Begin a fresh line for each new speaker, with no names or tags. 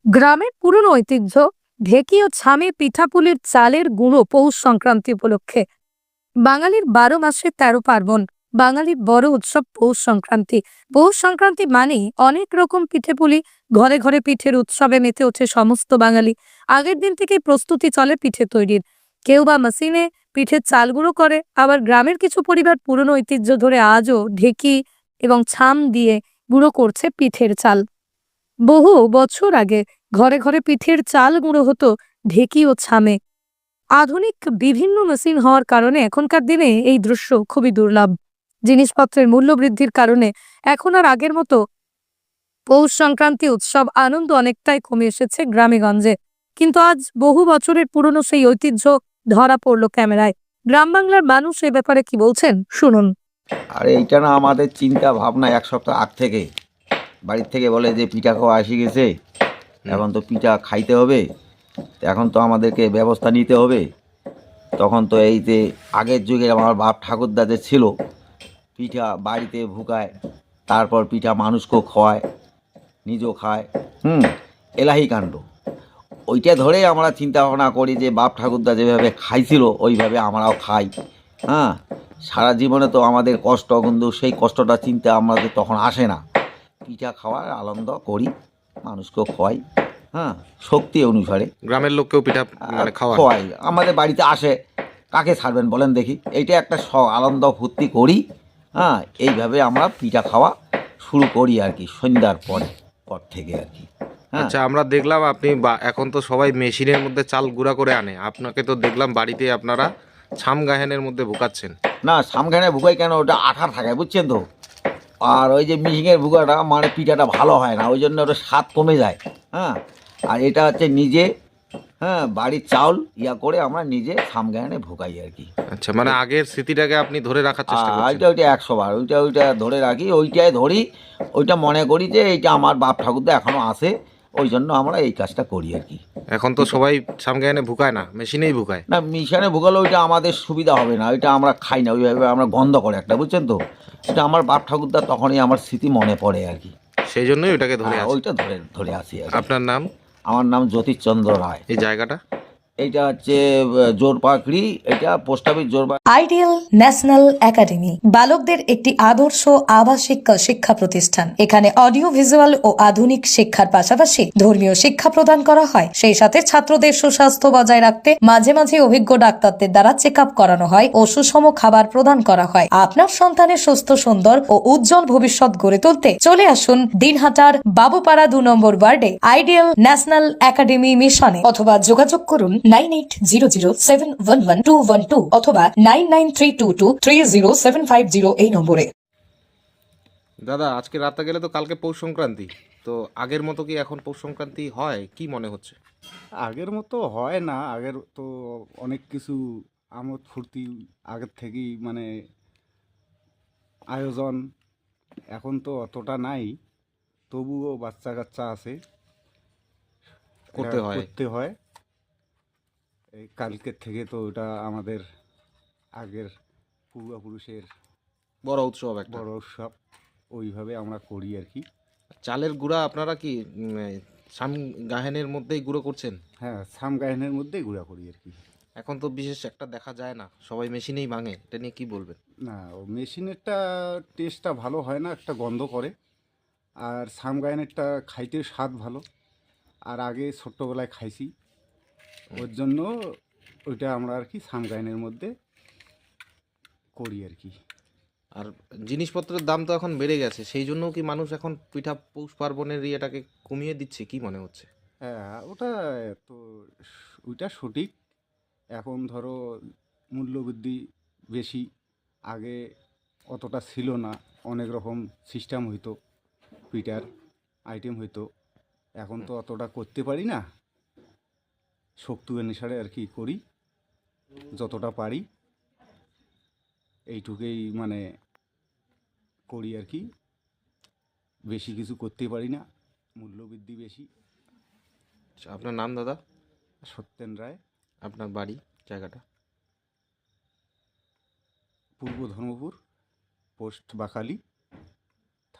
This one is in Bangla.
গ্রামের পুরনো ঐতিহ্য ঢেকি ও ছামে পিঠাপুলির চালের গুঁড়ো পৌষ সংক্রান্তি উপলক্ষে। বাঙালির 12 মাসে 13 পার্বণ। বাঙালির বড় উৎসব পৌষ সংক্রান্তি। পৌষ সংক্রান্তি মানেই অনেক রকম পিঠেপুলি। ঘরে ঘরে পিঠের উৎসবে মেতে ওঠে সমস্ত বাঙালি। আগের দিন থেকেই প্রস্তুতি চলে পিঠে তৈরির। কেউ বা মেশিনে পিঠের চাল গুঁড়ো করে, আবার গ্রামের কিছু পরিবার পুরনো ঐতিহ্য ধরে আজও ঢেকি এবং ছাম দিয়ে গুঁড়ো করছে পিঠের চাল। বহু বছর আগে ঘরে ঘরে পিঠের চাল গুঁড়ো হতো ঢেকি ও ছামে। আধুনিক বিভিন্ন মেশিন হওয়ার কারণে এখনকার দিনে এই দৃশ্য খুবই দুর্লভ। জিনিসপত্রের মূল্য বৃদ্ধির কারণে এখন আর আগের মতো পৌষ সংক্রান্তি উৎসব আনন্দ অনেকটাই কমে এসেছে গ্রামেগঞ্জে। কিন্তু আজ বহু বছরের পুরনো সেই ঐতিহ্য ধরা পড়লো ক্যামেরায়। গ্রাম বাংলার মানুষ এ ব্যাপারে কি বলছেন শুনুন।
আর এইটা না আমাদের চিন্তা ভাবনা এক সপ্তাহ আগ থেকে বাড়ির থেকে বলে যে পিঠা খাওয়া এসে গেছে, এখন তো পিঠা খাইতে হবে, এখন তো আমাদেরকে ব্যবস্থা নিতে হবে। তখন তো এই যে আগের যুগে আমার বাপ ঠাকুরদা যে ছিল, পিঠা বাড়িতে ভুকায়, তারপর পিঠা মানুষকেও খাওয়ায়, নিজেও খায়। এলাহি কাণ্ড। ওইটা ধরেই আমরা চিন্তা ভাবনা করি যে বাপ ঠাকুরদা যেভাবে খাইছিল ওইভাবে আমরাও খাই। সারা জীবনে তো আমাদের কষ্ট, কিন্তু সেই কষ্টটা চিন্তা আমাদের তখন আসে না। পিঠা খাওয়ার আনন্দ করি, মানুষকেও খাওয়াই। শক্তি অনুসারে
গ্রামের লোককেও পিঠা
খাওয়াই। আমাদের বাড়িতে আসে, কাকে ছাড়বেন বলেন দেখি। এইটা একটা আনন্দ ফুর্তি করি। এইভাবে আমরা পিঠা খাওয়া শুরু করি আর কি, সন্ধ্যার পর থেকে আর কি।
আচ্ছা, আমরা দেখলাম আপনি এখন তো সবাই মেশিনের মধ্যে চাল গুঁড়া করে আনে, আপনাকে তো দেখলাম বাড়িতে আপনারা ছাম গাহেনের মধ্যে ভুকাচ্ছেন।
না, ছামখানে ভুগাই কেন, ওটা আঠা থাকে বুঝছেন তো। আর ওই যে মিশিংয়ের ভুগাটা মানে পিঠাটা ভালো হয় না, ওই জন্য ওটা স্বাদ কমে যায়। আর এটা হচ্ছে নিজে বাড়ির চাউল করে আমরা নিজে ছামগানে ভুগাই আর কি।
আচ্ছা, মানে আগের স্মৃতিটাকে আপনি ধরে রাখার চেষ্টা করছেন।
ওইটা 100 বার ওইটা ধরে রাখি, ওইটাই ধরি। ওইটা মনে করি যে এইটা আমার বাপ ঠাকুরদা এখনও আছে, ওই জন্য আমরা এই কাজটা করি আর কি।
এখন তো সবাই ছামগানে ভুকায় না, মেশিনেই ভুকায়।
না, মেশিনে ভুগালে ওইটা আমাদের সুবিধা হবে না, ওইটা আমরা খাই না, ওইভাবে আমরা গন্ধ করে একটা, বুঝছেন তো। এটা আমার বাপ ঠাকুরদা তখনই আমার স্মৃতি মনে পড়ে আর কি,
সেই জন্যই ওইটাকে ধরে
ওইটা ধরে আসি আর কি।
আপনার নাম?
আমার নাম জ্যোতিষচন্দ্র রায়।
এই জায়গাটা
এইটা হচ্ছে জোরপাকড়ি, এটা post office Jorpakri.
Ideal national academy বালকদের একটি আদর্শ আবাসিক শিক্ষা প্রতিষ্ঠান। এখানে অডিও ভিজুয়াল ও আধুনিক শিক্ষার পাশাপাশি ধর্মীয় শিক্ষা প্রদান করা হয়। সেই সাথে ছাত্রদের সুস্বাস্থ্য বজায় রাখতে মাঝে মাঝে অভিজ্ঞ ডাক্তারদের দ্বারা চেক আপ করানো হয় ও সুষম খাবার প্রদান করা হয়। আপনার সন্তানের সুস্থ, সুন্দর ও উজ্জ্বল ভবিষ্যৎ গড়ে তুলতে চলে আসুন দিনহাটার বাবুপাড়া 2 নম্বর ওয়ার্ডে আইডিয়াল ন্যাশনাল একাডেমি মিশনে, অথবা যোগাযোগ করুন 9800711212 অথবা 9932230750 এই নম্বরে।
দাদা, আজকে রাতে গেলে তো কালকে পৌষ সংক্রান্তি, তো আগের মতো কি এখন পৌষ সংক্রান্তি হয়, কি মনে হচ্ছে?
আগের মতো হয় না, আগের তো অনেক কিছু আমোদ ফুর্তি আগের থেকেই মানে আয়োজন, এখন তো অতটা নাই। তবুও বাচ্চা কাচ্চা আছে,
করতে
হয়। এই কালকের থেকে তো ওটা আমাদের আগের পূর্বপুরুষের
বড় উৎসব,
বড় উৎসব, ওইভাবে আমরা করি আর কি।
চালের গুঁড়া আপনারা কি ছাম গাহেনের মধ্যেই গুঁড়ো করছেন?
হ্যাঁ, ছাম গায়নের মধ্যেই গুঁড়া করি আর কি।
এখন তো বিশেষ একটা দেখা যায় না, সবাই মেশিনেই ভাঙে, এটা নিয়ে কি বলবেন?
না, ও মেশিনেরটা টেস্টটা ভালো হয় না, একটা গন্ধ করে। আর ছাম গায়নেরটা খাইতে স্বাদ ভালো, আর আগে ছোট্টবেলায় খাইছি, ওর জন্য ওইটা আমরা আর কি ছাম গায়নের মধ্যে করি আর কি।
আর জিনিসপত্রের দাম তো এখন বেড়ে গেছে, সেই জন্যও কি মানুষ এখন পিঠা পৌষ পার্বণের ইয়েটাকে কমিয়ে দিচ্ছে, কি মনে হচ্ছে?
হ্যাঁ, ওটা তো ওইটা সঠিক। এখন ধরো মূল্যবৃদ্ধি বেশি, আগে অতটা ছিল না, অনেক রকম সিস্টেম হইতো, পিঠার আইটেম হইতো। এখন তো অতটা করতে পারি না, শক্তি অনুসারে আর কি করি, যতটা পারি এইটুকুই মানে করি আর কি। বেশি কিছু করতে পারি না, মূল্যবৃদ্ধি বেশি।
আচ্ছা, আপনার নাম দাদা?
সত্যেন রায়।
আপনার বাড়ি, জায়গাটা?
পূর্ব ধর্মপুর, পোস্ট বাকালি।